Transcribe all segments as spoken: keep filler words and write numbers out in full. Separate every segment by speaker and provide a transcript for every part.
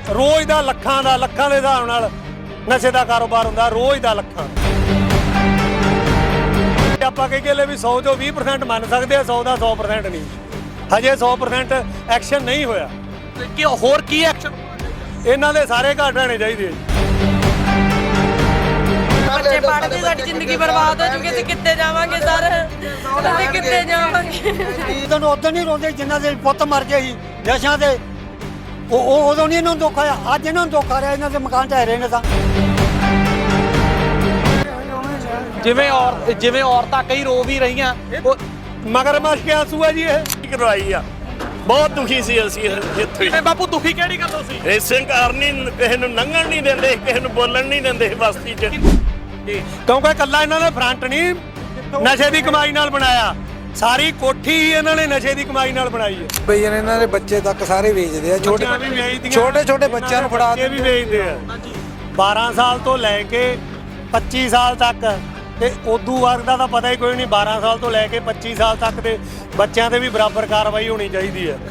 Speaker 1: रोज़ का लखां का लखां के हिसाब नाल नशे का कारोबार हुंदा, रोज़ का लखां। आपां कह ले भी सौ चो भी परसेंट मन सकते हैं, सौ का सौ परसेंट नहीं, हजे सौ परसेंट एक्शन नहीं होया।
Speaker 2: कि होर की एक्शन
Speaker 1: इन्हां दे सारे घाट रहने चाहिए।
Speaker 3: बच्चे पढ़ते साडी जिंदगी बर्बाद हो चुकी, ਅਸੀਂ ਕਿੱਥੇ ਜਾਵਾਂਗੇ ਸਰ, ਅਸੀਂ ਕਿੱਥੇ ਜਾਵਾਂਗੇ।
Speaker 4: ਤੈਨੂੰ ਉਦੋਂ ਨਹੀਂ ਰੋਂਦੇ ਜਿੰਨਾ ਦੇ ਪੁੱਤ ਮਰ ਗਏ ਸੀ ਨਸ਼ਿਆਂ ਦੇ, ਉਹ ਉਦੋਂ ਨਹੀਂ ਇਹਨਾਂ ਨੂੰ ਦੁੱਖ ਆਇਆ, ਅੱਜ ਇਹਨਾਂ ਨੂੰ ਦੁੱਖ ਆ ਰਿਹਾ, ਇਹਨਾਂ ਦੇ ਮਕਾਨ ਢਹਿ ਰਹੇ ਨੇ ਤਾਂ।
Speaker 2: ਜਿਵੇਂ ਔਰ ਜਿਵੇਂ ਔਰਤਾਂ ਕਈ ਰੋ ਵੀ ਰਹੀਆਂ,
Speaker 1: मगरमच्छ के आंसू है जी, ये करवाई आ बहुत दुखी सी ਅਸੀਂ ਇੱਥੇ।
Speaker 2: ਤੇ ਬਾਪੂ ਦੁਖੀ ਕਿਹੜੀ ਗੱਲੋਂ ਸੀ?
Speaker 1: ਰੇਸਿੰਗ ਕਾਰ ਨਹੀਂ, ਕਿਸੇ ਨੂੰ ਲੰਘਣ ਨਹੀਂ ਦਿੰਦੇ, ਕਿਸੇ ਨੂੰ ਬੋਲਣ ਨਹੀਂ ਦਿੰਦੇ ਬਸਤੀ 'ਚ, ਕਿਉਂਕਿ ਇਕੱਲਾ ਇਹਨਾਂ ਨੇ ਫਰੰਟ ਨਹੀਂ ਨਸ਼ੇ ਦੀ ਕਮਾਈ ਨਾਲ ਬਣਾਇਆ, ਸਾਰੀ ਕੋਠੀ ਹੀ ਇਹਨਾਂ ਨੇ ਨਸ਼ੇ ਦੀ ਕਮਾਈ ਨਾਲ ਬਣਾਈ ਹੈ।
Speaker 5: ਬਈ ਇਹਨਾਂ ਦੇ ਬੱਚੇ ਤੱਕ ਸਾਰੇ ਵੇਚਦੇ ਆ, ਛੋਟੇ ਛੋਟੇ ਛੋਟੇ ਬੱਚਿਆਂ ਨੂੰ ਫੜਾ
Speaker 1: ਕੇ ਵੀ ਵੇਚਦੇ ਆ। ਬਾਰਾਂ ਸਾਲ ਤੋਂ ਲੈ ਕੇ ਪੱਚੀ ਸਾਲ ਤੱਕ, ਤੇ ਉਦੋਂ ਬਾਅਦ ਦਾ ਤਾਂ ਪਤਾ ਹੀ ਕੋਈ ਨਹੀਂ, ਬਾਰਾਂ ਸਾਲ ਤੋਂ ਲੈ ਕੇ ਪੱਚੀ ਸਾਲ ਤੱਕ ਦੇ ਬੱਚਿਆਂ ਤੇ ਵੀ ਬਰਾਬਰ ਕਾਰਵਾਈ ਹੋਣੀ ਚਾਹੀਦੀ ਹੈ।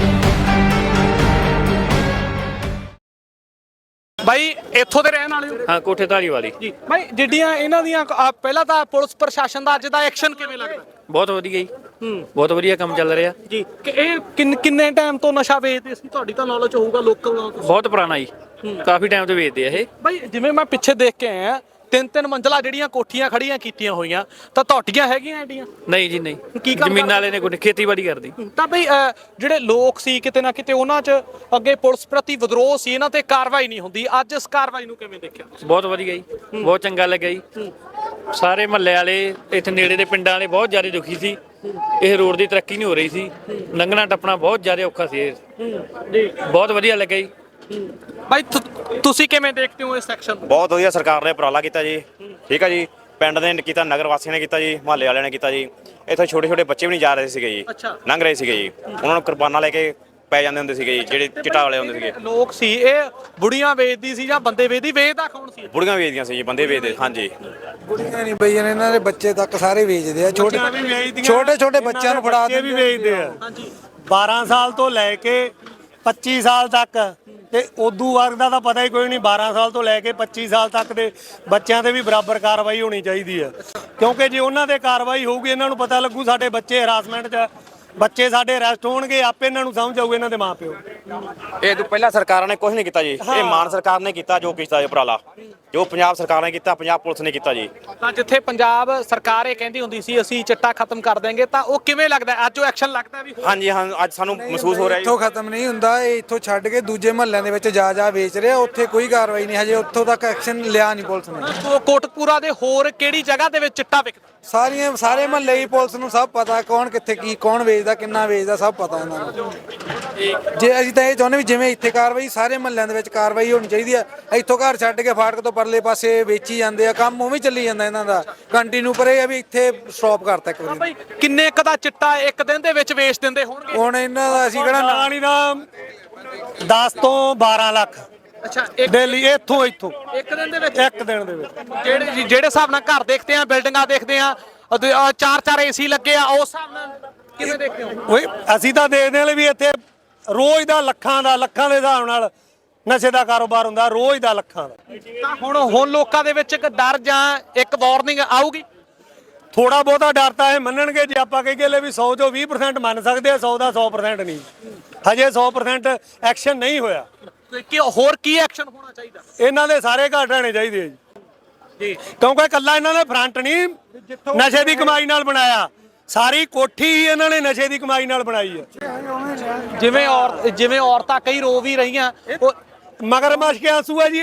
Speaker 2: ਬਾਈ ਇੱਥੋਂ ਦੇ ਰਹਿਣ ਵਾਲੇ ਹੋ?
Speaker 6: ਹਾਂ, ਕੋਠੇ ਧਾਰੀ ਵਾਲੀ
Speaker 2: ਜੀ ਬਾਈ, ਜਿੱਡੀਆਂ ਇਹਨਾਂ ਦੀਆਂ ਅਹ ਪਹਿਲਾਂ ਤਾਂ ਪੁਲਿਸ ਪ੍ਰਸ਼ਾਸਨ ਦਾ ਅੱਜ ਦਾ ਐਕਸ਼ਨ ਕਿਵੇਂ ਲੱਗਦਾ?
Speaker 6: ਬਹੁਤ ਵਧੀਆ ਜੀ, ਬਹੁਤ ਵਧੀਆ ਕੰਮ ਚੱਲ ਰਿਹਾ
Speaker 2: ਜੀ। ਕਿ ਇਹ ਕਿੰਨ ਕਿੰਨੇ ਟਾਈਮ ਤੋਂ ਨਸ਼ਾ ਵੇਚਦੇ ਸੀ? ਤੁਹਾਡੀ ਤਾਂ ਨੌਲੇਜ ਹੋਊਗਾ, ਲੋਕਲ ਨੌਲੇਜ।
Speaker 6: ਬਹੁਤ ਪੁਰਾਣਾ ਜੀ, ਕਾਫੀ ਟਾਈਮ ਤੋਂ ਵੇਚਦੇ ਆ ਇਹ।
Speaker 2: ਬਾਈ ਜਿਵੇਂ ਮੈਂ ਪਿੱਛੇ ਦੇਖ ਕੇ ਆਇਆ, ਤਿੰਨ ਤਿੰਨ ਮੰਜ਼ਲਾ ਜਿਹੜੀਆਂ ਕੋਠੀਆਂ ਖੜੀਆਂ ਕੀਤੀਆਂ ਹੋਈਆਂ, ਤਾਂ ਤੁਹਾਡੀਆਂ ਹੈਗੀਆਂ ਐਡੀਆਂ?
Speaker 6: ਨਹੀਂ ਜੀ ਨਹੀਂ,
Speaker 2: ਕੀ ਕੰਮ
Speaker 6: ਜ਼ਮੀਨਾਂ ਵਾਲੇ ਨੇ ਕੋਈ ਖੇਤੀਬਾੜੀ ਕਰਦੀ।
Speaker 2: ਤਾਂ ਬਈ ਅਹ, ਜਿਹੜੇ ਲੋਕ ਸੀ ਕਿਤੇ ਨਾ ਕਿਤੇ ਉਹਨਾਂ 'ਚ ਅੱਗੇ ਪੁਲਿਸ ਪ੍ਰਤੀ ਵਿਦਰੋਹ ਸੀ, ਇਹਨਾਂ ਤੇ ਕਾਰਵਾਈ ਨਹੀਂ ਹੁੰਦੀ, ਅੱਜ ਇਸ ਕਾਰਵਾਈ ਨੂੰ ਕਿਵੇਂ ਦੇਖਿਆ?
Speaker 6: ਬਹੁਤ ਵਧੀਆ ਜੀ, ਬਹੁਤ ਚੰਗਾ ਲੱਗਿਆ ਜੀ। ਸਾਰੇ ਮਹੱਲੇ ਵਾਲੇ, ਇੱਥੇ ਨੇੜੇ ਦੇ ਪਿੰਡਾਂ ਵਾਲੇ ਬਹੁਤ ਜ਼ਿਆਦਾ ਦੁਖੀ ਸੀ, ਇਹ ਰੋਡ ਦੀ ਤਰੱਕੀ ਨਹੀਂ ਹੋ ਰਹੀ ਸੀ, ਲੰਘਣਾ ਟੱਪਣਾ ਬਹੁਤ ਜ਼ਿਆਦਾ ਔਖਾ ਸੀ ਇਹ।
Speaker 2: ਜੀ
Speaker 6: ਬਹੁਤ ਵਧੀਆ ਲੱਗਿਆ ਜੀ।
Speaker 2: ਬਾਈ ਤੁਸੀਂ ਕਿਵੇਂ ਦੇਖਦੇ ਹੋ ਇਸ ਸੈਕਸ਼ਨ ਨੂੰ?
Speaker 7: ਬਹੁਤ ਵਧੀਆ ਸਰਕਾਰ ਨੇ ਉਪਰਾਲਾ ਕੀਤਾ ਜੀ, ਠੀਕ ਆ ਜੀ। ਪਿੰਡ ਨੇ ਕੀਤਾ, ਨਗਰ ਵਾਸੀਆਂ ਨੇ ਕੀਤਾ ਜੀ, ਮੁਹੱਲੇ ਵਾਲਿਆਂ ਨੇ ਕੀਤਾ ਜੀ। ਇੱਥੋਂ ਛੋਟੇ ਛੋਟੇ ਬੱਚੇ ਵੀ ਨਹੀਂ ਜਾ ਰਹੇ ਸੀਗੇ ਜੀ, ਲੰਘ ਰਹੇ ਸੀਗੇ ਜੀ, ਉਹਨਾਂ ਨੂੰ ਕੁਰਬਾਨਾ ਲੈ ਕੇ ਪੈ ਜਾਂਦੇ ਹੁੰਦੇ ਸੀਗੇ ਜੀ, ਜਿਹੜੇ ਚਿੱਟਾ ਵਾਲੇ ਹੁੰਦੇ ਸੀਗੇ।
Speaker 2: ਲੋਕ ਸੀ ਇਹ ਬੁੜੀਆਂ ਵੇਚਦੀ ਸੀ ਜਾਂ ਬੰਦੇ ਵੇਚਦੀ? ਵੇਚਦਾ ਕੌਣ ਸੀ?
Speaker 7: ਬੁੜੀਆਂ ਵੇਚਦੀਆਂ ਸੀ ਜੀ, ਬੰਦੇ ਵੇਚਦੇ। ਹਾਂਜੀ,
Speaker 5: ਬੁੜੀਆਂ ਨਹੀਂ ਬਈ, ਇਹਨਾਂ ਦੇ ਬੱਚੇ ਤੱਕ ਸਾਰੇ ਵੇਚਦੇ ਆ, ਛੋਟੇ ਛੋਟੇ ਛੋਟੇ ਬੱਚਿਆਂ ਨੂੰ ਫੜਾ
Speaker 1: ਕੇ ਵੀ ਵੇਚਦੇ ਆ। ਬਾਰਾਂ ਸਾਲ ਤੋਂ ਲੈ ਕੇ ਪੱਚੀ ਸਾਲ ਤੱਕ, ਤੇ ਉਦੋਂ ਬਾਅਦ ਦਾ ਤਾਂ ਪਤਾ ਹੀ ਕੋਈ ਨਹੀਂ, ਬਾਰਾਂ ਸਾਲ ਤੋਂ ਲੈ ਕੇ ਪੱਚੀ ਸਾਲ ਤੱਕ ਦੇ ਬੱਚਿਆਂ ਤੇ ਵੀ ਬਰਾਬਰ ਕਾਰਵਾਈ ਹੋਣੀ ਚਾਹੀਦੀ ਹੈ। ਕਿਉਂਕਿ ਜੇ ਉਹਨਾਂ ਤੇ ਕਾਰਵਾਈ ਹੋਊਗੀ, ਇਹਨਾਂ ਨੂੰ ਪਤਾ ਲੱਗੂ ਸਾਡੇ ਬੱਚੇ ਹਰਾਸਮੈਂਟ 'ਚ, ਬੱਚੇ ਸਾਡੇ ਅਰੈਸਟ ਹੋਣਗੇ, ਆਪੇ ਇਹਨਾਂ ਨੂੰ ਸਮਝ ਆਊ, ਇਹਨਾਂ ਦੇ ਮਾਂ ਪਿਓ।
Speaker 7: ਇਹ ਤੋਂ ਪਹਿਲਾਂ ਸਰਕਾਰਾਂ ਨੇ ਕੁਝ ਨਹੀਂ ਕੀਤਾ ਜੀ, ਇਹ ਮਾਨ ਸਰਕਾਰ ਨੇ ਕੀਤਾ ਜੋ ਕੀਤਾ ਇਹ ਉਪਰਾਲਾ, ਜੋ ਪੰਜਾਬ ਸਰਕਾਰ ਨੇ ਕੀਤਾ, ਪੰਜਾਬ ਪੁਲਿਸ ਨੇ ਕੀਤਾ ਜੀ।
Speaker 2: ਤਾਂ ਜਿੱਥੇ ਪੰਜਾਬ ਸਰਕਾਰ ਇਹ ਕਹਿੰਦੀ ਹੁੰਦੀ ਸੀ ਅਸੀਂ ਚਿੱਟਾ ਖਤਮ ਕਰ ਦੇਂਗੇ, ਤਾਂ ਉਹ ਕਿਵੇਂ ਲੱਗਦਾ ਅੱਜ ਉਹ ਐਕਸ਼ਨ ਲੱਗਦਾ ਵੀ?
Speaker 7: ਹਾਂਜੀ ਹਾਂ, ਅੱਜ ਸਾਨੂੰ ਮਹਿਸੂਸ ਹੋ ਰਿਹਾ ਜੀ।
Speaker 5: ਇੱਥੋਂ ਖਤਮ ਨਹੀਂ ਹੁੰਦਾ, ਇਹ ਇੱਥੋਂ ਛੱਡ ਕੇ ਦੂਜੇ ਮਹੱਲਿਆਂ ਦੇ ਵਿੱਚ ਜਾ ਜਾ ਵੇਚ ਰਿਹਾ, ਉੱਥੇ ਕੋਈ ਕਾਰਵਾਈ ਨਹੀਂ, ਹਜੇ ਉੱਥੋਂ ਤੱਕ ਐਕਸ਼ਨ ਲਿਆ ਨਹੀਂ ਪੁਲਿਸ ਨੇ।
Speaker 2: ਕੋਟਕਪੂਰਾ ਦੇ ਹੋਰ ਕਿਹੜੀ ਜਗ੍ਹਾ ਦੇ ਵਿੱਚ ਚਿੱਟਾ ਵਿਕਦਾ?
Speaker 5: ਸਾਰੀਆਂ ਸਾਰੇ ਮਹੱਲੇ ਹੀ ਪੁਲਿਸ ਨੂੰ ਸਭ ਪਤਾ, ਕੌਣ ਕਿੱਥੇ ਕੀ, ਕੌਣ ਵੇਚਦਾ, ਕਿੰਨਾ ਵੇਚਦਾ, ਸਭ ਪਤਾ ਇਹਨਾਂ ਨੂੰ। ਜੇ ਅਸੀਂ ਤਾਂ ਇਹ ਚਾਹੁੰਦੇ ਵੀ ਜਿਵੇਂ ਇੱਥੇ ਕਾਰਵਾਈ, ਸਾਰੇ ਮਹੱਲਿਆਂ ਦੇ ਵਿੱਚ ਕਾਰਵਾਈ ਹੋਣੀ ਚਾਹੀਦੀ ਹੈ। ਇੱਥੋਂ ਘਰ ਛੱਡ ਕੇ ਫਾਟਕ ਤੋਂ ਪਰਲੇ ਪਾਸੇ ਵੇਚੀ ਜਾਂਦੇ ਆ, ਕੰਮ ਉਵੇਂ ਚੱਲੀ ਜਾਂਦਾ ਇਹਨਾਂ ਦਾ ਕੰਟੀਨਿਊ, ਪਰ ਇਹ ਆ ਵੀ ਇੱਥੇ ਸਟਾਪ ਕਰਤਾ ਇੱਕ ਵਾਰੀ।
Speaker 2: ਭਾਈ ਕਿੰਨੇ ਕ ਦਾ ਚਿੱਟਾ ਇੱਕ ਦਿਨ ਦੇ ਵਿੱਚ ਵੇਚ ਦਿੰਦੇ ਹੋਣਗੇ?
Speaker 5: ਹੁਣ ਇਹਨਾਂ ਦਾ ਅਸੀਂ ਕਿਹੜਾ
Speaker 1: ਨਾ ਨਹੀਂ ਦਾ ਦਸ ਤੋਂ ਬਾਰਾਂ ਲੱਖ।
Speaker 2: ਅੱਛਾ,
Speaker 1: ਦਿੱਲੀ ਇੱਥੋਂ ਇੱਥੋਂ
Speaker 2: ਇੱਕ ਦਿਨ ਦੇ ਵਿੱਚ?
Speaker 1: ਇੱਕ ਦਿਨ ਦੇ ਵਿੱਚ।
Speaker 2: ਜਿਹੜੇ ਜਿਹੜੇ ਹਿਸਾਬ ਨਾਲ ਘਰ ਦੇਖਦੇ ਆ, ਬਿਲਡਿੰਗਾਂ ਦੇਖਦੇ ਆ, ਚਾਰ ਚਾਰ ਏਸੀ ਲੱਗੇ ਆ, ਉਸ ਹਿਸਾਬ ਨਾਲ ਕਿਵੇਂ ਦੇਖਦੇ ਹੋ?
Speaker 1: ਓਏ ਅਸੀਂ ਤਾਂ ਦੇਖਦੇ ਹਾਂ ਵੀ ਇੱਥੇ ਰੋਜ਼ ਦਾ ਲੱਖਾਂ ਦਾ ਲੱਖਾਂ ਦੇ ਹਿਸਾਬ ਨਾਲ ਨਸ਼ੇ ਦਾ ਕਾਰੋਬਾਰ ਹੁੰਦਾ, ਰੋਜ਼ ਦਾ ਲੱਖਾਂ ਦਾ।
Speaker 2: ਤਾਂ ਹੁਣ ਹੁਣ ਲੋਕਾਂ ਦੇ ਵਿੱਚ ਇੱਕ ਡਰ ਜਾਂ ਇੱਕ ਵਾਰਨਿੰਗ ਆਊਗੀ?
Speaker 1: ਥੋੜਾ ਬਹੁਤਾ ਡਰ ਤਾਂ ਇਹ ਮੰਨਣਗੇ, ਜੇ ਆਪਾਂ ਕਹੀਏ ਲੈ ਵੀ ਸੌ ਚੋਂ ਵੀਹ ਪ੍ਰਸੈਂਟ ਮੰਨ ਸਕਦੇ ਆ, ਸੌ ਦਾ ਸੌ ਪ੍ਰਸੈਂਟ ਨਹੀਂ, ਹਜੇ ਸੌ ਪ੍ਰਸੈਂਟ ਐਕਸ਼ਨ ਨਹੀਂ ਹੋਇਆ।
Speaker 2: ਕਿ ਹੋਰ ਕੀ ਐਕਸ਼ਨ ਹੋਣਾ ਚਾਹੀਦਾ?
Speaker 1: ਇਹਨਾਂ ਦੇ ਸਾਰੇ ਘਾਟ ਰਹਿਣੇ ਚਾਹੀਦੇ ਆ ਜੀ, ਕਿਉਂਕਿ ਇਕੱਲਾ ਇਹਨਾਂ ਨੇ ਫਰੰਟ ਨਹੀਂ ਨਸ਼ੇ ਦੀ ਕਮਾਈ ਨਾਲ ਬਣਾਇਆ, ਸਾਰੀ ਕੋਠੀ ਹੀ ਇਹਨਾਂ ਨੇ ਨਸ਼ੇ ਦੀ ਕਮਾਈ ਨਾਲ ਬਣਾਈ ਹੈ।
Speaker 2: ਜਿਵੇਂ ਔਰ ਜਿਵੇਂ ਔਰਤਾਂ ਕਈ ਰੋ ਵੀ ਰਹੀਆਂ,
Speaker 1: ਮਗਰਮੱਛ ਕੇ ਆਂਸੂ ਹੈ ਜੀ,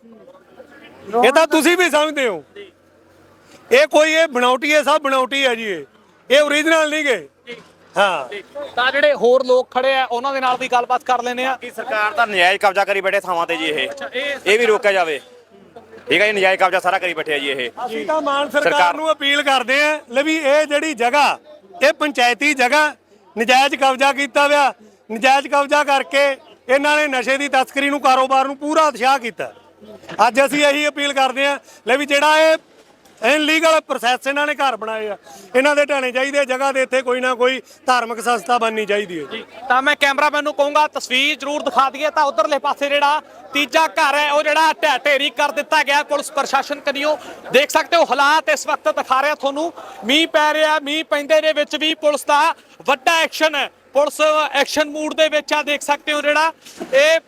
Speaker 1: ਇਹ ਇਹ ਤਾਂ ਤੁਸੀਂ ਵੀ ਸਮਝਦੇ ਹੋ। ਇਹ ਕੋਈ ਇਹ ਬਣਾਉਟੀ ਹੈ, ਸਭ ਬਣਾਉਟੀ ਹੈ ਜੀ, ਇਹ ਇਹ ਓਰੀਜਨਲ ਨਹੀਂ ਗੇ। ਹਾਂ,
Speaker 2: ਤਾਂ ਜਿਹੜੇ ਹੋਰ ਲੋਕ ਖੜੇ ਆ ਉਹਨਾਂ ਦੇ ਨਾਲ ਵੀ ਗੱਲਬਾਤ ਕਰ ਲੈਨੇ ਆ।
Speaker 7: ਕਿ ਸਰਕਾਰ ਤਾਂ ਨਜਾਇਜ਼ ਕਬਜ਼ਾ ਕਰੀ ਬੈਠੇ ਥਾਵਾਂ ਤੇ ਜੀ, ਇਹ ਇਹ ਵੀ ਰੋਕਿਆ ਜਾਵੇ, ਠੀਕ ਹੈ ਜੀ। ਨਜਾਇਜ਼ ਕਬਜ਼ਾ ਸਾਰਾ ਕਰੀ ਬੈਠੇ ਆ ਜੀ ਇਹ।
Speaker 1: ਅਸੀਂ ਤਾਂ ਮਾਨ ਸਰਕਾਰ ਨੂੰ ਅਪੀਲ ਕਰਦੇ ਆ ਲੈ ਵੀ ਇਹ ਜਿਹੜੀ ਜਗ੍ਹਾ, ਇਹ ਪੰਚਾਇਤੀ ਜਗ੍ਹਾ ਨਜਾਇਜ਼ ਕਬਜ਼ਾ ਕੀਤਾ ਹੋਇਆ, ਨਜਾਇਜ਼ ਕਬਜ਼ਾ ਕਰਕੇ ਇਹਨਾਂ ਨੇ ਨਸ਼ੇ ਦੀ ਤਸਕਰੀ ਨੂੰ, ਕਾਰੋਬਾਰ ਨੂੰ ਪੂਰਾ ਉਤਸ਼ਾਹ ਕੀਤਾ। ਅੱਜ ਅਸੀਂ ਇਹੀ ਅਪੀਲ ਕਰਦੇ ਆ ਲੈ ਵੀ ਜਿਹੜਾ ਇਹ ਇਨਲੀਗਲ ਪ੍ਰੋਸੈਸ ਇਹਨਾਂ ਨੇ ਘਰ ਬਣਾਏ ਆ। ਇਹਨਾਂ ਦੇ ਢਾਣੇ ਚਾਹੀਦੇ ਜਗ੍ਹਾ ਦੇ ਇੱਥੇ ਕੋਈ ਨਾ ਕੋਈ ਧਾਰਮਿਕ ਸੰਸਥਾ ਬਣਨੀ ਚਾਹੀਦੀ ਹੈ।
Speaker 2: ਤਾਂ ਮੈਂ ਕੈਮਰਾਮੈਨ ਨੂੰ ਕਹੂੰਗਾ ਤਸਵੀਰ ਜ਼ਰੂਰ ਦਿਖਾ ਦਈਏ। ਤਾਂ ਉਧਰਲੇ ਪਾਸੇ ਜਿਹੜਾ ਤੀਜਾ ਘਰ ਹੈ ਉਹ ਜਿਹੜਾ ਢਹਿ ਢੇਰੀ ਕਰ ਦਿੱਤਾ ਗਿਆ ਪੁਲਿਸ ਪ੍ਰਸ਼ਾਸਨ ਕਨੀਓ। ਦੇਖ ਸਕਦੇ ਹੋ ਹਾਲਾਤ ਇਸ ਵਕਤ ਦਿਖਾ ਰਿਹਾ ਤੁਹਾਨੂੰ। ਮੀਂਹ ਪੈ ਰਿਹਾ, ਮੀਂਹ ਪੈਂਦੇ ਦੇ ਵਿੱਚ ਵੀ ਪੁਲਿਸ ਦਾ ਵੱਡਾ ਐਕਸ਼ਨ ਹੈ। ਪੁਲਿਸ ਐਕਸ਼ਨ ਮੂਡ ਦੇ ਵਿੱਚ ਆ। ਦੇਖ ਸਕਦੇ ਹੋ ਜਿਹੜਾ ਇਹ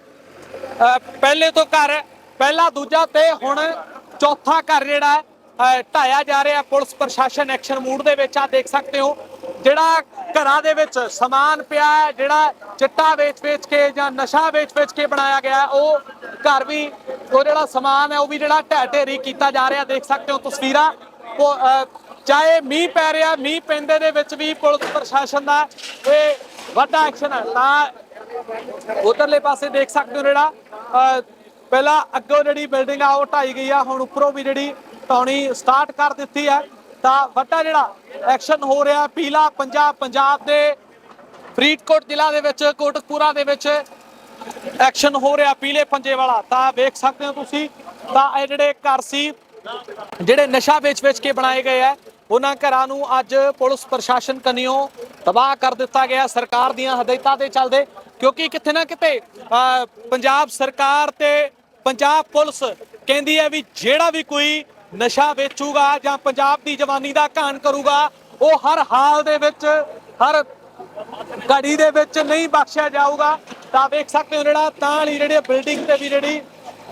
Speaker 2: ਅ, ਪਹਿਲੇ ਤੋਂ ਘਰ ਪਹਿਲਾ ਦੂਜਾ ਤੇ ਹੁਣ ਚੌਥਾ ਘਰ ਜਿਹੜਾ ਹੈ ਢਾਇਆ ਜਾ ਰਿਹਾ। ਪੁਲਿਸ ਪ੍ਰਸ਼ਾਸਨ ਐਕਸ਼ਨ ਮੂਡ ਦੇ ਵਿੱਚ ਆ। ਦੇਖ ਸਕਦੇ ਹੋ ਜਿਹੜਾ ਘਰਾਂ ਦੇ ਵਿੱਚ ਸਮਾਨ ਪਿਆ ਹੈ, ਜਿਹੜਾ ਚਿੱਟਾ ਵੇਚ-ਵੇਚ ਕੇ ਜਾਂ ਨਸ਼ਾ ਵੇਚ-ਵੇਚ ਕੇ ਬਣਾਇਆ ਗਿਆ ਉਹ ਘਰ ਵੀ, ਉਹ ਜਿਹੜਾ ਸਮਾਨ ਹੈ ਉਹ ਵੀ ਜਿਹੜਾ ਢਹਿ ਢੇਰੀ ਕੀਤਾ ਜਾ ਰਿਹਾ। ਦੇਖ ਸਕਦੇ ਹੋ ਤਸਵੀਰਾਂ। ਉਹ, ਅ, ਚਾਹੇ ਮੀਂਹ ਪੈ ਰਿਹਾ, ਮੀਂਹ ਪੈਂਦੇ ਦੇ ਵਿੱਚ ਵੀ ਪੁਲਿਸ ਪ੍ਰਸ਼ਾਸਨ ਦਾ ਇਹ ਵੱਡਾ ਐਕਸ਼ਨ ਹੈ। ਤਾਂ ਉਧਰਲੇ ਪਾਸੇ ਦੇਖ ਸਕਦੇ ਹੋ ਜਿਹੜਾ ਅ, ਪਹਿਲਾਂ ਅੱਗੋਂ ਜਿਹੜੀ ਬਿਲਡਿੰਗ ਆ ਉਹ ਢਾਈ ਗਈ ਆ, ਹੁਣ ਉੱਪਰੋਂ ਵੀ ਜਿਹੜੀ ਢਾਉਣੀ ਸਟਾਰਟ ਕਰ ਦਿੱਤੀ ਹੈ। ਤਾਂ ਵੱਡਾ ਜਿਹੜਾ ਐਕਸ਼ਨ ਹੋ ਰਿਹਾ ਪੀਲਾ ਪੰਜਾਬ ਪੰਜਾਬ ਦੇ ਫਰੀਦਕੋਟ ਜ਼ਿਲ੍ਹਾ ਦੇ ਵਿੱਚ ਕੋਟਕਪੂਰਾ ਦੇ ਵਿੱਚ ਐਕਸ਼ਨ ਹੋ ਰਿਹਾ ਪੀਲੇ ਪੰਜੇ ਵਾਲਾ। ਤਾਂ ਵੇਖ ਸਕਦੇ ਹੋ ਤੁਸੀਂ। ਤਾਂ ਇਹ ਜਿਹੜੇ ਘਰ ਸੀ ਜਿਹੜੇ ਨਸ਼ਾ ਵੇਚ-ਵੇਚ ਕੇ ਬਣਾਏ ਗਏ ਆ, ਉਹਨਾਂ ਘਰਾਂ ਨੂੰ ਅੱਜ ਪੁਲਿਸ ਪ੍ਰਸ਼ਾਸਨ ਕਨੀਓ ਤਬਾਹ ਕਰ ਦਿੱਤਾ ਗਿਆ ਸਰਕਾਰ ਦੀਆਂ ਹਦਾਇਤਾਂ ਦੇ ਚੱਲਦੇ। ਕਿਉਂਕਿ ਕਿਤੇ ਨਾ ਕਿਤੇ ਅ, ਪੰਜਾਬ ਸਰਕਾਰ ਤੇ ਪੰਜਾਬ ਪੁਲਿਸ ਕਹਿੰਦੀ ਹੈ ਵੀ ਜਿਹੜਾ ਵੀ ਕੋਈ ਨਸ਼ਾ ਵੇਚੂਗਾ ਜਾਂ ਪੰਜਾਬ ਦੀ ਜਵਾਨੀ ਦਾ ਘਾਣ ਕਰੂਗਾ ਉਹ ਹਰ ਹਾਲ ਦੇ ਵਿੱਚ, ਹਰ ਘੜੀ ਦੇ ਵਿੱਚ ਨਹੀਂ ਬਖਸ਼ਿਆ ਜਾਊਗਾ। ਤਾਂ ਵੇਖ ਸਕਦੇ ਹੋ ਜਿਹੜਾ ਤਾਂ ਵਾਲੀ ਜਿਹੜੀ ਬਿਲਡਿੰਗ ਤੇ ਵੀ ਜਿਹੜੀ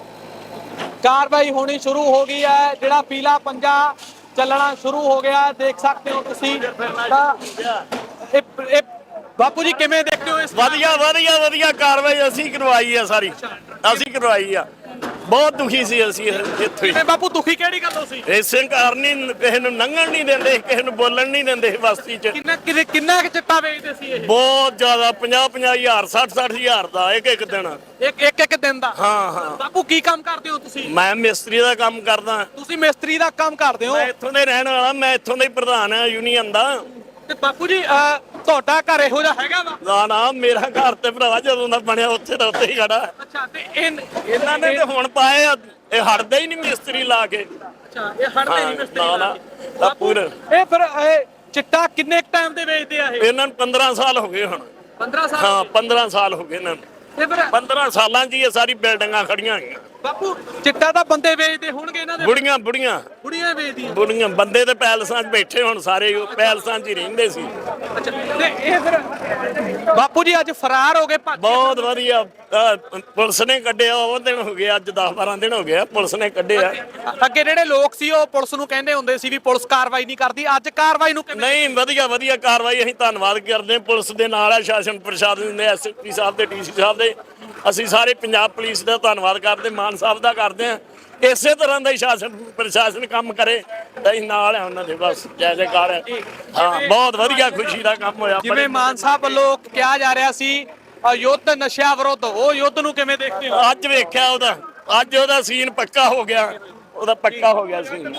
Speaker 2: ਕਾਰਵਾਈ ਹੋਣੀ ਸ਼ੁਰੂ ਹੋ ਗਈ ਹੈ। ਜਿਹੜਾ ਪੀਲਾ ਪੰਜਾ ਚੱਲਣਾ ਸ਼ੁਰੂ ਹੋ ਗਿਆ ਦੇਖ ਸਕਦੇ ਹੋ ਤੁਸੀਂ। ਤਾਂ ਇਹ ਇਹ ਬਾਪੂ ਜੀ ਕਿਵੇਂ ਦੇਖਦੇ ਹੋ ਇਸ
Speaker 8: ਵਧੀਆ ਵਧੀਆ ਵਧੀਆ ਕਾਰਵਾਈ ਅਸੀਂ ਕਰਵਾਈ ਆ ਸਾਰੀ, ਅਸੀਂ ਕਰਵਾਈ ਆ। ਬਹੁਤ ਦੁਖੀ ਸੀ ਅਸੀਂ ਇੱਥੇ।
Speaker 2: ਕਿਵੇਂ ਬਾਪੂ ਦੁਖੀ ਕਿਹੜੀ ਗੱਲੋਂ ਸੀ?
Speaker 8: ਇਸੇ ਕਾਰਨ ਹੀ ਕਿਸੇ ਨੂੰ ਲੰਘਣ ਨਹੀਂ ਦਿੰਦੇ, ਕਿਸੇ ਨੂੰ ਬੋਲਣ ਨਹੀਂ ਦਿੰਦੇ ਬਸਤੀ 'ਚ।
Speaker 2: ਕਿੰਨਾ ਕਿੰਨੇ- ਕਿੰਨਾ ਕੁ ਚਿੱਟਾ ਵੇਚਦੇ ਸੀ ਇਹ?
Speaker 8: ਬਹੁਤ ਜ਼ਿਆਦਾ, ਪੰਜਾਹ ਪੰਜਾਹ ਹਜ਼ਾਰ, ਸੱਠ ਸੱਠ ਹਜ਼ਾਰ ਦਾ ਇੱਕ ਇੱਕ ਦਿਨ।
Speaker 2: ਇੱਕ ਇੱਕ ਇੱਕ ਦਿਨ ਦਾ?
Speaker 8: ਹਾਂ ਹਾਂ।
Speaker 2: ਬਾਪੂ ਕੀ ਕੰਮ ਕਰਦੇ ਹੋ ਤੁਸੀਂ?
Speaker 8: ਮੈਂ ਮਿਸਤਰੀ ਦਾ ਕੰਮ ਕਰਦਾ।
Speaker 2: ਤੁਸੀਂ ਮਿਸਤਰੀ ਦਾ ਕੰਮ ਕਰਦੇ ਹੋ?
Speaker 8: ਮੈਂ ਇੱਥੋਂ ਦੇ ਰਹਿਣ ਵਾਲਾ, ਮੈਂ ਇੱਥੋਂ ਦਾ ਹੀ ਪ੍ਰਧਾਨ ਆ ਯੂਨੀਅਨ ਦਾ।
Speaker 2: ਤੇ ਬਾਪੂ ਜੀ ਅਹ, ਤੁਹਾਡਾ ਘਰ ਇਹੋ ਜਿਹਾ ਹੈਗਾ ਵਾ?
Speaker 8: ਨਾ ਨਾ, ਮੇਰਾ ਘਰ ਤੇ ਭਰਾਵਾ ਜਦੋਂ ਦਾ ਬਣਿਆ ਉੱਥੇ ਦਾ ਉੱਥੇ ਹੀ ਖੜਾ।
Speaker 2: ਅੱਛਾ। ਤੇ ਇਹ
Speaker 8: ਇਹਨਾਂ ਨੇ ਤੇ ਹੁਣ ਪਾਏ ਆ, ਇਹ ਹਟਦਾ ਹੀ ਨਹੀਂ ਮਿਸਤਰੀ ਲਾ ਕੇ।
Speaker 2: ਅੱਛਾ, ਇਹ ਹੜਦੇ ਨਹੀਂ ਮਿਸਤਰੀ
Speaker 8: ਨਾ ਨਾ,
Speaker 2: ਲਾ ਕੇ।
Speaker 8: ਤਾਂ ਪੂਰਾ
Speaker 2: ਇਹ ਫਿਰ ਇਹ ਚਿੱਟਾ ਕਿੰਨੇ ਟਾਈਮ ਦੇ ਵੇਚਦੇ ਆ ਇਹ?
Speaker 8: ਇਹਨਾਂ ਨੂੰ ਪੰਦਰਾਂ ਸਾਲ ਹੋ ਗਏ ਹੁਣ।
Speaker 2: ਪੰਦਰਾਂ ਸਾਲ?
Speaker 8: ਹਾਂ ਪੰਦਰਾਂ ਸਾਲ ਹੋ ਗਏ ਇਹਨਾਂ ਨੂੰ।
Speaker 2: ਤੇ ਫਿਰ
Speaker 8: ਪੰਦਰਾਂ ਸਾਲਾਂ 'ਚ ਹੀ ਇਹ ਸਾਰੀ ਬਿਲਡਿੰਗਾਂ ਖੜੀਆਂ ਹੋਈਆਂ।
Speaker 2: ਬਾਪੂ ਚਿੱਟਾ ਤਾਂ ਬੰਦੇ ਵੇਚਦੇ ਹੋਣਗੇ ਇਹਨਾਂ ਦੇ?
Speaker 8: ਬੁੜੀਆਂ ਬੁੜੀਆਂ
Speaker 2: ਬੁੜੀਆਂ ਵੇਚਦੀਆਂ?
Speaker 8: ਬੁੜੀਆਂ ਬੰਦੇ ਤੇ ਪੈਲਸਾਂ 'ਚ ਬੈਠੇ ਹੁਣ ਸਾਰੇ, ਉਹ ਪੈਲਸਾਂ 'ਚ ਹੀ ਰਹਿੰਦੇ ਸੀ।
Speaker 2: ਅੱਛਾ। ਤੇ ਇਹ ਫਿਰ ਬਾਪੂ ਜੀ ਅੱਜ ਫਰਾਰ ਹੋ ਗਏ ਭੱਜ ਗਏ?
Speaker 8: ਬਹੁਤ ਵਧੀਆ, ਅਹ ਪੁਲਿਸ ਨੇ ਕੱਢਿਆ। ਉਹ ਦਿਨ ਹੋ ਗਏ, ਅੱਜ ਦਸ ਬਾਰਾਂ ਦਿਨ ਹੋ ਗਏ ਪੁਲਿਸ ਨੇ ਕੱਢਿਆ।
Speaker 2: ਅੱਗੇ ਜਿਹੜੇ ਲੋਕ ਸੀ ਉਹ ਪੁਲਿਸ ਨੂੰ ਕਹਿੰਦੇ ਹੁੰਦੇ ਸੀ ਵੀ ਪੁਲਿਸ ਕਾਰਵਾਈ ਨਹੀਂ ਕਰਦੀ, ਅੱਜ ਕਾਰਵਾਈ ਨੂੰ ਕਿਵੇਂ?
Speaker 8: ਨਹੀਂ, ਵਧੀਆ ਵਧੀਆ ਕਾਰਵਾਈ। ਅਸੀਂ ਧੰਨਵਾਦ ਕਰਦੇ ਹਾਂ ਪੁਲਿਸ ਦੇ ਨਾਲ ਆ, ਸ਼ਾਸਨ ਪ੍ਰਸ਼ਾਸਨ ਦੇ, ਐਸ ਪੀ ਸਾਹਿਬ ਦੇ, ਡੀ ਸੀ ਸਾਹਿਬ ਦੇ। ਅਸੀਂ ਸਾਰੇ ਪੰਜਾਬ ਪੁਲਿਸ ਦਾ ਧੰਨਵਾਦ ਕਰਦੇ, ਮਾਨ ਸਾਹਿਬ ਦਾ ਕਰਦੇ ਹਾਂ। ਇਸੇ ਤਰ੍ਹਾਂ ਦਾ ਹੀ ਸ਼ਾਸਨ ਪ੍ਰਸ਼ਾਸਨ ਕੰਮ ਕਰੇ ਤਾਂ ਅਸੀਂ ਨਾਲ ਆ ਉਹਨਾਂ ਦੇ, ਬਸ ਜੈ ਜੈਕਾਰ ਹੈ। ਹਾਂ, ਬਹੁਤ ਵਧੀਆ, ਖੁਸ਼ੀ ਦਾ ਕੰਮ ਹੋਇਆ।
Speaker 2: ਜਿਵੇਂ ਮਾਨ ਸਾਹਿਬ ਵੱਲੋਂ ਕਿਹਾ ਜਾ ਰਿਹਾ ਸੀ ਅ, ਯੁੱਧ ਨਸ਼ਿਆਂ ਵਿਰੁੱਧ, ਉਹ ਯੁੱਧ ਨੂੰ ਕਿਵੇਂ ਦੇਖਦੇ ਹੋ?
Speaker 8: ਅੱਜ ਵੇਖਿਆ ਉਹਦਾ, ਅੱਜ ਉਹਦਾ ਸੀਨ ਪੱਕਾ ਹੋ ਗਿਆ, ਉਹਦਾ ਪੱਕਾ ਹੋ ਗਿਆ ਸੀਨ।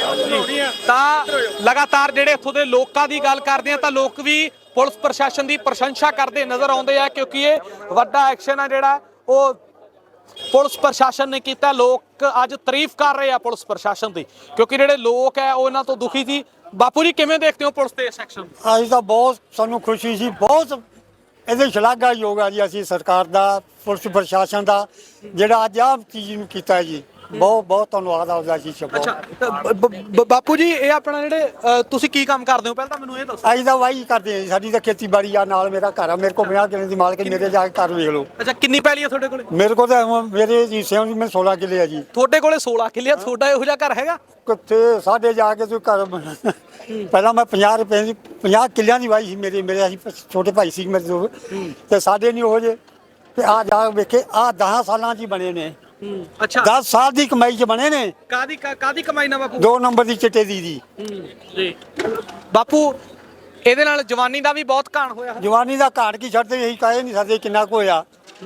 Speaker 2: ਤਾਂ ਲਗਾਤਾਰ ਜਿਹੜੇ ਇੱਥੋਂ ਦੇ ਲੋਕਾਂ ਦੀ ਗੱਲ ਕਰਦੇ ਆ ਤਾਂ ਲੋਕ ਵੀ ਪੁਲਿਸ ਪ੍ਰਸ਼ਾਸਨ ਦੀ ਪ੍ਰਸ਼ੰਸਾ ਕਰਦੇ ਨਜ਼ਰ ਆਉਂਦੇ ਆ, ਕਿਉਂਕਿ ਇਹ ਵੱਡਾ ਐਕਸ਼ਨ ਆ ਜਿਹੜਾ ਉਹ ਪੁਲਿਸ ਪ੍ਰਸ਼ਾਸਨ ਨੇ ਕੀਤਾ। ਲੋਕ ਅੱਜ ਤਾਰੀਫ ਕਰ ਰਹੇ ਆ ਪੁਲਿਸ ਪ੍ਰਸ਼ਾਸਨ ਦੀ, ਕਿਉਂਕਿ ਜਿਹੜੇ ਲੋਕ ਹੈ ਉਹ ਇਹਨਾਂ ਤੋਂ ਦੁਖੀ ਸੀ। ਬਾਪੂ ਜੀ ਕਿਵੇਂ ਦੇਖਦੇ ਹੋ ਪੁਲਿਸ ਦੇ ਇਸ ਐਕਸ਼ਨ ਨੂੰ?
Speaker 4: ਅੱਜ ਤਾਂ ਬਹੁਤ ਸਾਨੂੰ ਖੁਸ਼ੀ ਸੀ, ਬਹੁਤ ਇਹਦੇ ਸ਼ਲਾਘਾਯੋਗ ਆ ਜੀ। ਅਸੀਂ ਸਰਕਾਰ ਦਾ, ਪੁਲਿਸ ਪ੍ਰਸ਼ਾਸਨ ਦਾ ਜਿਹੜਾ ਅੱਜ ਆਹ ਚੀਜ਼ ਨੂੰ ਕੀਤਾ ਜੀ, ਬਹੁਤ ਬਹੁਤ ਧੰਨਵਾਦ ਆਉਂਦਾ ਜੀ।
Speaker 2: ਅੱਛਾ। ਤਾਂ ਬ- ਬ- ਬ- ਬਾਪੂ ਜੀ ਇਹ ਆਪਣਾ ਜਿਹੜੇ ਅ, ਤੁਸੀਂ ਕੀ ਕੰਮ ਕਰਦੇ ਹੋ ਪਹਿਲਾਂ ਤਾਂ ਮੈਨੂੰ ਇਹ ਦੱਸੋ।
Speaker 4: ਅਸੀਂ ਤਾਂ ਵਾਹੀ ਕਰਦੇ ਹਾਂ ਜੀ, ਸਾਡੀ ਤਾਂ ਖੇਤੀਬਾੜੀ ਆ, ਨਾਲ ਮੇਰਾ ਘਰ ਆ। ਮੇਰੇ ਕੋਲ ਪੰਜਾਹ ਕਿੱਲੇ ਦੀ ਮਾਲਕ ਹੈ, ਮੇਰੇ ਜਾ ਕੇ ਘਰ ਵੇਖ ਲਓ।
Speaker 2: ਅੱਛਾ, ਕਿੰਨੀ ਪੈਲੀ ਆ ਤੁਹਾਡੇ ਕੋਲੇ?
Speaker 4: ਮੇਰੇ ਕੋਲ ਤਾਂ ਹੁਣ ਮੇਰੇ ਹਿੱਸਿਆਂ ਦੀ ਮੈਂ ਸੋਲਾਂ ਕਿੱਲੇ ਆ ਜੀ।
Speaker 2: ਤੁਹਾਡੇ ਕੋਲੇ ਸੋਲਾਂ ਕਿੱਲੇ ਆ, ਤੁਹਾਡਾ ਇਹੋ ਜਿਹਾ ਘਰ ਹੈਗਾ?
Speaker 4: ਕਿੱਥੇ ਸਾਡੇ ਜਾ ਕੇ ਤੂੰ ਘਰ ਬਣਾ। ਪਹਿਲਾਂ ਮੈਂ ਪੰਜਾਹ ਰੁਪਏ ਦੀ ਪੰਜਾਹ ਕਿੱਲਿਆਂ ਦੀ ਵਾਈ ਸੀ ਮੇਰੇ, ਮੇਰੇ ਅਸੀਂ ਛੋਟੇ ਭਾਈ ਸੀ ਮੇਰੇ ਦੋ, ਤੇ ਸਾਡੇ ਨਹੀਂ ਉਹ ਜੇ ਤੇ ਆ ਜਾ ਵੇਖੇ ਆ ਦਸ ਸਾਲਾਂ 'ਚ ਹੀ ਬਣੇ ਨੇ।
Speaker 2: ਅੱਛਾ।
Speaker 4: ਦਸ ਸਾਲ ਦੀ ਕਮਾਈ 'ਚ ਬਣੇ ਨੇ।
Speaker 2: ਕਾਦੀ ਕਾਦੀ ਕਮਾਈ ਨਾ ਬਾਪੂ?
Speaker 4: ਦੋ ਨੰਬਰ ਦੀ ਚਿੱਟੇ ਦੀ ਦੀ
Speaker 2: ਜੀ ਬਾਪੂ, ਇਹਦੇ ਨਾਲ ਜਵਾਨੀ ਦਾ ਵੀ ਬਹੁਤ ਘਾਣ ਹੋਇਆ।
Speaker 4: ਜਵਾਨੀ ਦਾ ਘਾਟ ਕੀ ਛੱਡਦੇ, ਇਹੀ ਕਾਹੇ ਨਹੀਂ ਸਕਦੇ ਕਿੰਨਾ ਕੁ ਹੋਇਆ।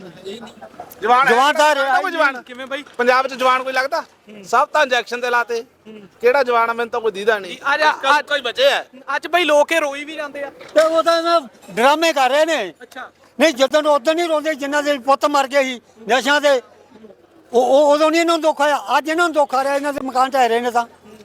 Speaker 9: ਜਵਾਨ
Speaker 4: ਜਵਾਨ ਤਾਂ ਰਿਹਾ
Speaker 9: ਕੋਈ ਜਵਾਨ
Speaker 2: ਕਿਵੇਂ ਬਾਈ?
Speaker 9: ਪੰਜਾਬ 'ਚ ਜਵਾਨ ਕੋਈ ਲੱਗਦਾ? ਸਭ ਤਾਂ ਇੰਜੈਕਸ਼ਨ ਤੇ ਲਾਤੇ। ਕਿਹੜਾ ਜਵਾਨ ਆ? ਮੈਨੂੰ ਤਾਂ ਕੋਈ ਦੀਦਾ ਨਹੀਂ।
Speaker 2: ਅੱਜ ਅੱਜ
Speaker 9: ਕੋਈ ਬਚੇ ਆ?
Speaker 2: ਅੱਜ ਬਈ ਲੋਕ ਇਹ ਰੋਈ ਵੀ ਜਾਂਦੇ ਆ।
Speaker 4: ਤੇ ਉਹ ਤਾਂ ਨਾ ਡਰਾਮੇ ਕਰ ਰਹੇ ਨੇ।
Speaker 2: ਅੱਛਾ।
Speaker 4: ਨਹੀਂ, ਜਦੋਂ ਉਦੋਂ ਨਹੀਂ ਰੋਂਦੇ ਜਿਨ੍ਹਾਂ ਦੇ ਪੁੱਤ ਮਰ ਗਏ ਸੀ ਨਸ਼ਿਆਂ ਦੇ, ਉਹ ਉਹ- ਉਦੋਂ ਨਹੀਂ ਇਹਨਾਂ ਨੂੰ ਦੁੱਖ ਆਇਆ। ਅੱਜ ਇਹਨਾਂ ਨੂੰ ਦੁੱਖ ਆ ਰਿਹਾ, ਇਹਨਾਂ ਦੇ ਮਕਾਨ ਢਹਿ ਰਹੇ ਨੇ। ਤਾਂ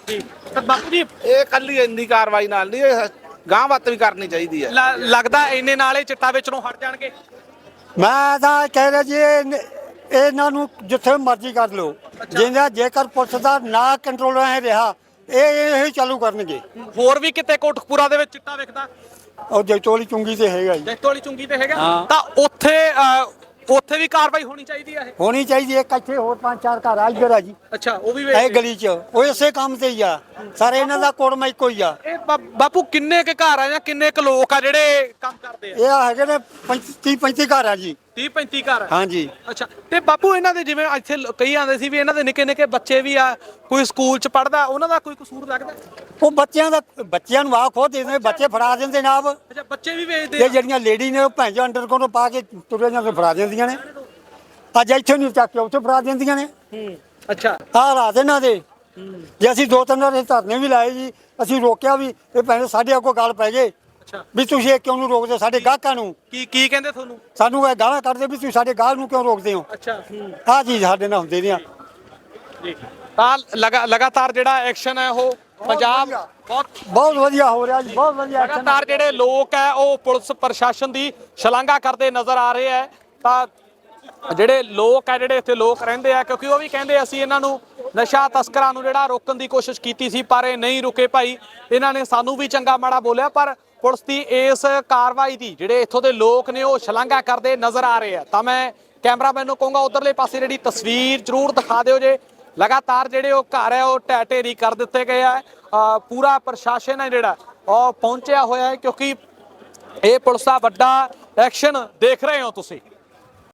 Speaker 2: ਜੀ ਤਾਂ ਬਾਪੂ ਜੀ
Speaker 9: ਇਹ ਕੱਲੀ ਇੰਨੀ ਕਾਰਵਾਈ ਨਾਲ ਨਹੀਂ, ਇਹ ਗਾਂਹ ਵੱਤ ਵੀ ਕਰਨੀ ਚਾਹੀਦੀ ਹੈ।
Speaker 2: ਲ- ਲੱਗਦਾ ਇੰਨੇ ਨਾਲ ਇਹ ਚਿੱਟਾ ਵੇਚਣੋਂ ਹਟ ਜਾਣਗੇ।
Speaker 4: ਮੈਂ ਤਾਂ ਕਹਿ ਰਿਹਾ ਜੀ ਇਹ- ਇਹਨਾਂ ਨੂੰ ਜਿੱਥੇ ਮਰਜ਼ੀ ਕਰ ਲਓ, ਜਿੰਦਾ ਜੇਕਰ ਪੁਲਿਸ ਦਾ ਨਾ ਕੰਟਰੋਲ ਰਹਿ ਰਿਹਾ ਇਹ ਇਹ ਚਾਲੂ ਕਰਨਗੇ।
Speaker 2: ਹੋਰ ਵੀ ਕਿਤੇ ਕੋਟਕਪੂਰਾ ਦੇ ਵਿੱਚ ਚਿੱਟਾ ਵਿਕਦਾ,
Speaker 4: ਉਹ ਜੈਤੋਲੀ ਚੁੰਗੀ ਤੇ ਹੈਗਾ ਜੀ,
Speaker 2: ਜੈਤੋਲੀ ਚੁੰਗੀ ਤੇ ਹੈਗਾ, ਤਾਂ ਉੱਥੇ ਅਹ, ਉੱਥੇ ਵੀ ਕਾਰਵਾਈ ਹੋਣੀ ਚਾਹੀਦੀ ਹੈ ਇਹ।
Speaker 4: ਹੋਣੀ ਚਾਹੀਦੀ ਹੈ। ਇੱਕ ਇੱਥੇ ਹੋਰ ਪੰਜ ਚਾਰ ਘਰ ਆ ਇੱਧਰ ਆ ਜੀ,
Speaker 2: ਅੱਛਾ, ਉਹ ਵੀ
Speaker 4: ਇਹ
Speaker 2: ਵੇਚਦੇ।
Speaker 4: ਗਲੀ 'ਚ ਉਹ ਇਸੇ ਕੰਮ ਤੇ ਹੀ ਆ ਸਾਰੇ, ਇਹਨਾਂ ਦਾ ਕੋੜਮਾ ਇੱਕੋ ਹੀ ਆ।
Speaker 2: ਇਹ ਬਾ- ਬਾਪੂ ਕਿੰਨੇ ਕੁ ਘਰ ਆ ਜਾਂ ਕਿੰਨੇ ਕੁ ਲੋਕ ਆ ਜਿਹੜੇ ਕੰਮ ਕਰਦੇ ਆ?
Speaker 4: ਇਹ ਹੈਗੇ ਨੇ ਤੀਹ ਪੈਂਤੀ ਘਰ ਆ ਜੀ।
Speaker 2: ਤੀਹ ਪੈਂਤੀ ਘਰ ਆ।
Speaker 4: ਹਾਂਜੀ।
Speaker 2: ਅੱਛਾ, ਤੇ ਬਾਪੂ ਇਹਨਾਂ ਦੇ ਜਿਵੇਂ ਇੱਥੇ ਲ- ਕਈ ਆਂਦੇ ਸੀ ਵੀ ਇਹਨਾਂ ਦੇ ਨਿੱਕੇ ਨਿੱਕੇ ਬੱਚੇ ਵੀ ਆ, ਕੋਈ ਸਕੂਲ ਚ ਪੜਦਾ, ਉਹਨਾਂ ਦਾ ਕੋਈ ਕਸੂਰ ਲੱਗਦਾ?
Speaker 4: ਉਹ ਬੱਚਿਆਂ ਦਾ ਬੱਚਿਆਂ ਨੂੰ ਆ ਖੋ ਦੇ ਦਿੰਦੇ, ਬੱਚੇ ਫੜਾ ਦਿੰਦੇ ਨਾ ਆਪ।
Speaker 2: ਅੱਛਾ, ਬੱਚੇ ਵੀ ਵੇਚਦੇ
Speaker 4: ਤੇ
Speaker 2: ਆ?
Speaker 4: ਜਿਹੜੀਆਂ ਲੇਡੀ ਨੇ ਉਹ ਭੈਣ ਜੋ ਅੰਡਰ ਕੋਲੋਂ ਪਾ ਕੇ ਤੁਰੇ ਜਾਂਦੇ ਫੜਾ ਦਿੰਦੀਆਂ ਨੇ। ਅੱਜ ਇੱਥੇ ਨਹੀਂ ਚੱਕ ਕੇ ਉੱਥੇ ਫੜਾ ਦਿੰਦੀਆਂ ਨੇ।
Speaker 2: ਹੂੰ, ਅੱਛਾ,
Speaker 4: ਆਹ ਰਾਤ ਇਹਨਾਂ ਦੇ ਜੇ ਅਸੀਂ ਦੋ ਤਿੰਨ ਵਾਰ ਧਰਨੇ ਵੀ ਲਾਏ ਜੀ, ਅਸੀਂ ਰੋਕਿਆ ਵੀ, ਇਹ ਭੈਣੇ ਸਾਡੇ ਅੱਗੋਂ ਗੱਲ ਪੈ ਗਏ
Speaker 2: ਅੱਛਾ,
Speaker 4: ਵੀ ਤੁਸੀਂ ਇਹ ਕਿਉਂ ਨੂੰ ਰੋਕਦੇ ਸਾਡੇ ਗਾਹਕਾਂ ਨੂੰ।
Speaker 2: ਕੀ ਕੀ ਕਹਿੰਦੇ ਤੁਹਾਨੂੰ?
Speaker 4: ਸਾਨੂੰ ਇਹ ਗਾਲਾਂ ਕੱਢਦੇ ਵੀ ਤੁਸੀਂ ਸਾਡੇ ਗਾਹਕ ਨੂੰ ਕਿਉਂ ਰੋਕਦੇ ਹੋ।
Speaker 2: ਅੱਛਾ, ਹੂੰ,
Speaker 4: ਆਹ ਚੀਜ਼ ਸਾਡੇ ਨਾਲ ਹੁੰਦੇ ਨੇ।
Speaker 2: ਜੀ, ਤਾਂ ਲਗਾ ਲਗਾਤਾਰ ਜਿਹੜਾ ਐਕਸ਼ਨ ਹੈ ਉਹ ਪੰਜਾਬ
Speaker 4: ਵਧੀਆ।
Speaker 2: ਬਹੁਤ
Speaker 4: ਬਹੁਤ ਵਧੀਆ ਹੋ ਰਿਹਾ ਜੀ, ਬਹੁਤ ਵਧੀਆ action
Speaker 2: ਲਗਾਤਾਰ ਜਿਹੜੇ ਲੋਕ ਹੈ ਉਹ ਪੁਲਿਸ ਪ੍ਰਸ਼ਾਸਨ ਦੀ ਸ਼ਲਾਘਾ ਕਰਦੇ ਨਜ਼ਰ ਆ ਰਹੇ ਹੈ। ਤਾਂ ਜਿਹੜੇ ਲੋਕ ਹੈ, ਜਿਹੜੇ ਇੱਥੇ ਲੋਕ ਰਹਿੰਦੇ ਆ, ਕਿਉਂਕਿ ਉਹ ਵੀ ਕਹਿੰਦੇ ਅਸੀਂ ਇਹਨਾਂ ਨੂੰ ਨਸ਼ਾ ਤਸਕਰਾਂ ਨੂੰ ਜਿਹੜਾ ਰੋਕਣ ਦੀ ਕੋਸ਼ਿਸ਼ ਕੀਤੀ ਸੀ ਪਰ ਇਹ ਨਹੀਂ ਰੁਕੇ ਭਾਈ, ਇਹਨਾਂ ਨੇ ਸਾਨੂੰ ਵੀ ਚੰਗਾ ਮਾੜਾ ਬੋਲਿਆ। ਪਰ ਪੁਲਿਸ ਦੀ ਇਸ ਕਾਰਵਾਈ ਦੀ ਜਿਹੜੇ ਇੱਥੋਂ ਦੇ ਲੋਕ ਨੇ ਉਹ ਸ਼ਲਾਘਾ ਕਰਦੇ ਨਜ਼ਰ ਆ ਰਹੇ ਆ। ਤਾਂ ਮੈਂ ਕੈਮਰਾਮੈਨ ਨੂੰ ਕਹੂੰਗਾ ਉਧਰਲੇ ਪਾਸੇ ਜਿਹੜੀ ਤਸਵੀਰ ਜ਼ਰੂਰ ਦਿਖਾ ਦਿਓ ਜੇ। ਲਗਾਤਾਰ ਜਿਹੜੇ ਉਹ ਘਰ ਹੈ ਉਹ ਢਹਿ ਢੇਰੀ ਕਰ ਦਿੱਤੇ ਗਏ ਆ। ਅ, ਪੂਰਾ ਪ੍ਰਸ਼ਾਸਨ ਹੈ ਜਿਹੜਾ ਉਹ ਪਹੁੰਚਿਆ ਹੋਇਆ ਹੈ, ਕਿਉਂਕਿ ਇਹ ਪੁਲਿਸ ਦਾ ਵੱਡਾ ਐਕਸ਼ਨ ਦੇਖ ਰਹੇ ਹੋ ਤੁਸੀਂ।